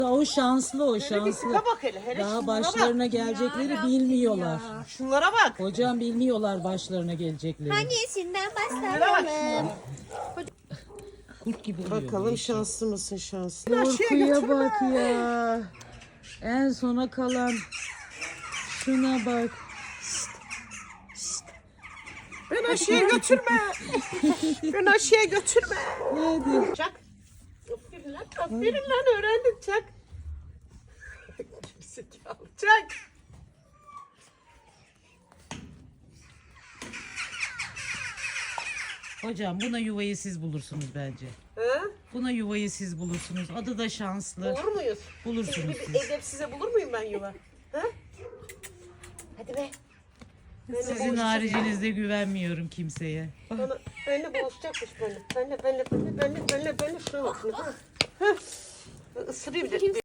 O şanslı, o Hele bir şanslı. tipe bak hele. Daha şunlara başlarına bak. gelecekleri bilmiyorlar. Şunlara bak. Hocam bilmiyorlar başlarına gelecekleri. Hangisinden Şunlara bak. başlayalım? Kurt gibi oluyor. Bakalım şanslı mısın şanslı? Korkuya bak ya. En sona kalan. Şuna bak. Ben aşıya götürme. Ben aşıya götürme. Hadi. Çak. Aferin lan öğrendim çak. Gerizekalı, çak. Hocam buna yuvayı siz bulursunuz bence. Ha? Buna yuvayı siz bulursunuz. Adı da şanslı. Bulur muyuz? Bulursunuz Bir siz. edepsize bulur muyum ben yuva? Ha? Hadi be. Sizin haricinizde güvenmiyorum kimseye. Benimle buluşacakmış benimle. Benimle şuna bakın. Ha. Isırayım bir de.